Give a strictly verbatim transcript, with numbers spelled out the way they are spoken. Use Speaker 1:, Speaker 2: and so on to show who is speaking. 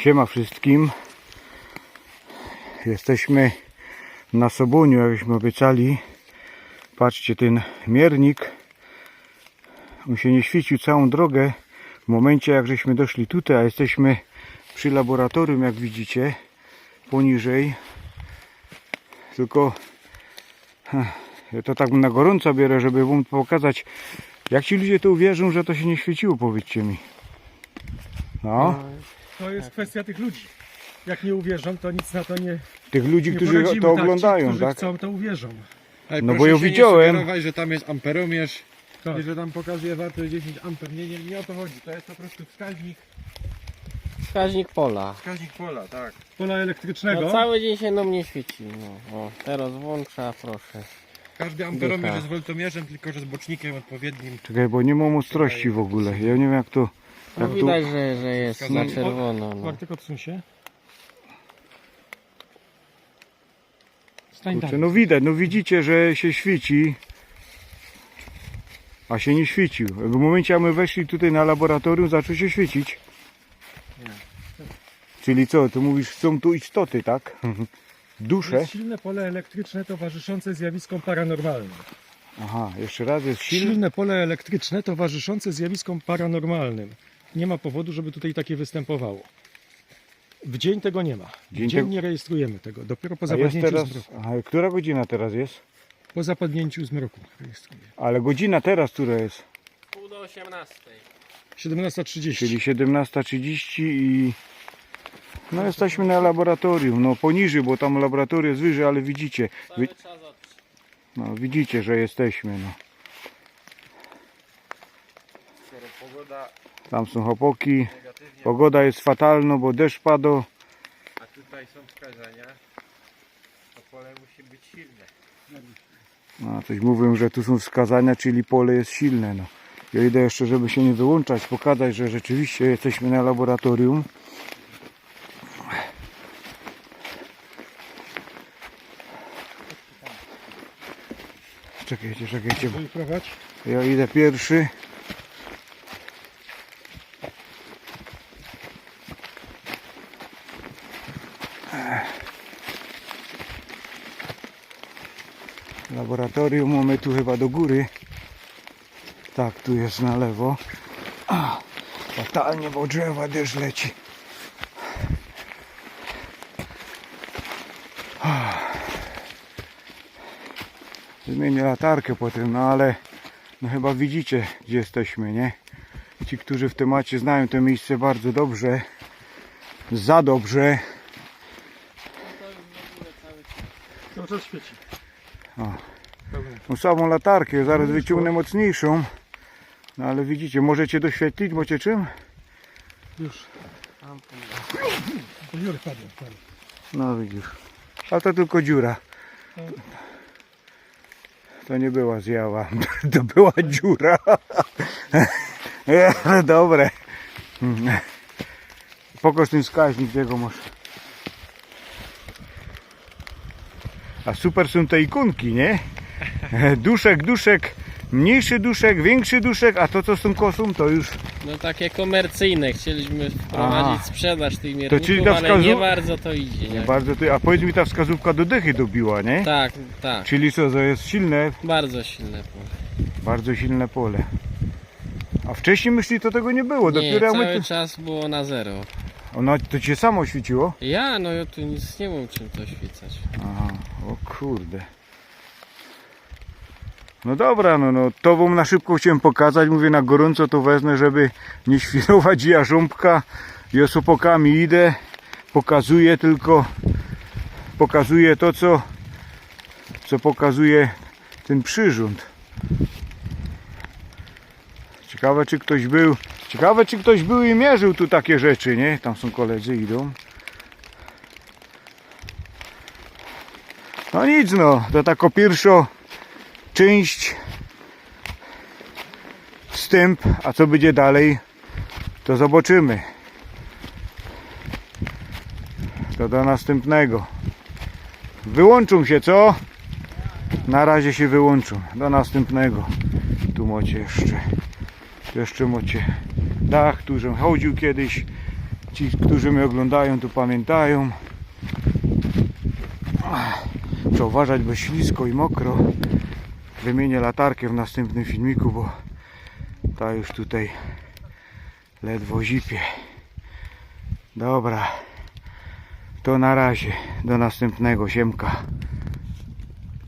Speaker 1: Siema wszystkim. Jesteśmy na Sobuniu, jakśmy obiecali. Patrzcie, ten miernik, on się nie świecił całą drogę w momencie, jak żeśmy doszli tutaj, a jesteśmy przy laboratorium, jak widzicie, poniżej. Tylko ja to tak na gorąco biorę, żeby wam pokazać, jak ci ludzie to uwierzą, że to się nie świeciło, powiedzcie mi. No.
Speaker 2: To jest kwestia tych ludzi. Jak nie uwierzą, to nic na to nie.
Speaker 1: Tych ludzi,
Speaker 2: nie
Speaker 1: którzy
Speaker 2: poradzimy.
Speaker 1: to
Speaker 2: Tak,
Speaker 1: oglądają,
Speaker 2: ci, którzy
Speaker 1: tak?
Speaker 2: chcą, to uwierzą.
Speaker 3: Ale
Speaker 1: No bo
Speaker 3: proszę
Speaker 1: ja
Speaker 3: się
Speaker 1: widziałem.
Speaker 3: nie sugerować, że tam jest amperomierz
Speaker 2: Tak.
Speaker 3: i że tam pokazuje wartość dziesięć amper. Nie, nie, nie o to chodzi. To jest po prostu wskaźnik,
Speaker 4: Wskaźnik pola.
Speaker 3: wskaźnik pola, tak.
Speaker 2: Pola elektrycznego.
Speaker 4: No cały dzień się nam nie świeci. No, o, teraz włącza, proszę.
Speaker 3: Każdy amperomierz
Speaker 4: Dycha.
Speaker 3: jest woltomierzem, tylko że z bocznikiem odpowiednim.
Speaker 1: Czekaj, bo nie mam ostrości w ogóle. Ja nie wiem, jak to...
Speaker 4: No
Speaker 1: Jak tu...
Speaker 4: widać, że, że jest na
Speaker 3: Wskazanie.
Speaker 4: czerwono. No.
Speaker 2: Bartek, odsuń się. Stań
Speaker 1: Kurczę,
Speaker 2: tam.
Speaker 1: no widać, no widzicie, że się świeci, a się nie świecił. W momencie, jak my weszli tutaj na laboratorium, zaczął się świecić. Czyli co, ty mówisz, są tu istoty, tak? Dusze?
Speaker 2: Jest silne pole elektryczne towarzyszące zjawiskom paranormalnym.
Speaker 1: Aha, jeszcze raz jest silny.
Speaker 2: Silne pole elektryczne towarzyszące zjawiskom paranormalnym. Nie ma powodu, żeby tutaj takie występowało. W dzień tego nie ma. W
Speaker 1: Dzień
Speaker 2: dzień
Speaker 1: tego-
Speaker 2: nie rejestrujemy tego. Dopiero po
Speaker 1: A jest
Speaker 2: zapadnięciu
Speaker 1: teraz...
Speaker 2: zmroku.
Speaker 1: Aha, która godzina teraz jest?
Speaker 2: Po zapadnięciu zmroku rejestrujemy.
Speaker 1: Ale godzina teraz, która jest?
Speaker 4: Pół do osiemnastej.
Speaker 2: siedemnasta trzydzieści.
Speaker 1: Czyli siedemnasta trzydzieści i... No jesteśmy na laboratorium, no poniżej, bo tam laboratorium jest wyżej, ale widzicie, wi...
Speaker 4: Cały czas od...
Speaker 1: no, widzicie, że jesteśmy, no.
Speaker 3: Skoro pogoda
Speaker 1: Tam są chłopaki,
Speaker 3: negatywnie,
Speaker 1: pogoda jest fatalna, bo deszcz padł.
Speaker 3: a tutaj są wskazania, to pole musi być silne.
Speaker 1: No, coś mówią, że tu są wskazania, czyli pole jest silne. No. Ja idę jeszcze, żeby się nie wyłączać, pokazać, że rzeczywiście jesteśmy na laboratorium. Czekajcie, czekajcie, bo
Speaker 2: Wyprowadź.
Speaker 1: ja idę pierwszy. Laboratorium mamy tu chyba do góry. Tak, tu jest na lewo. A, fatalnie, bo drzewa deszcz leci. Zmienię latarkę potem, no ale no chyba widzicie, gdzie jesteśmy, nie? Ci, którzy w temacie znają to miejsce bardzo dobrze, za dobrze.
Speaker 2: Cały czas świeci.
Speaker 1: O. No, samą latarkę, zaraz wyciągnę mocniejszą. No ale widzicie, możecie doświetlić, bocie czym?
Speaker 2: Już. To Jurek padł, padł.
Speaker 1: No widzisz. A to tylko dziura. To nie była zjawa, to była dziura. Ale dobre. Pokaż ten wskaźnik, gdzie go masz. A super są te ikonki, nie? Duszek, duszek, mniejszy duszek, większy duszek, a to co z tą kosą to już...
Speaker 4: No takie komercyjne. Chcieliśmy wprowadzić
Speaker 1: Aha.
Speaker 4: sprzedaż tych
Speaker 1: To czyli
Speaker 4: mierników,
Speaker 1: ta
Speaker 4: ale
Speaker 1: wskazu-
Speaker 4: nie bardzo to idzie. Nie?
Speaker 1: Bardzo ty... A powiedz mi, ta wskazówka do dychy dobiła, nie?
Speaker 4: Tak, tak.
Speaker 1: Czyli co, to jest silne,
Speaker 4: Bardzo silne pole.
Speaker 1: bardzo silne pole. A wcześniej myśli to tego nie było,
Speaker 4: Nie,
Speaker 1: dopiero jak
Speaker 4: cały
Speaker 1: my... tu-
Speaker 4: czas było na zero.
Speaker 1: Ono to cię samo świeciło?
Speaker 4: Ja, no ja tu nic nie mam czym to świecać.
Speaker 1: Aha, o kurde. No dobra, no, no to wam na szybko chciałem pokazać, mówię na gorąco to wezmę, żeby nie świrować jarząbka. Ja z opokami idę, pokazuję tylko, pokazuję to co, co pokazuje ten przyrząd. Ciekawe czy ktoś był, ciekawe czy ktoś był i mierzył tu takie rzeczy, nie? Tam są koledzy, idą. No nic no, to taka pierwsza część, wstęp, a co będzie dalej, to zobaczymy. To do następnego. Wyłączą się, co? Na razie się wyłączą. Do następnego. Tu macie jeszcze. Tu jeszcze macie dach, tu żem chodził kiedyś. Ci, którzy mnie oglądają, to pamiętają. Trzeba uważać, bo ślisko i mokro. Wymienię latarkę w następnym filmiku, bo ta już tutaj ledwo zipie. Dobra, to na razie, do następnego, siemka.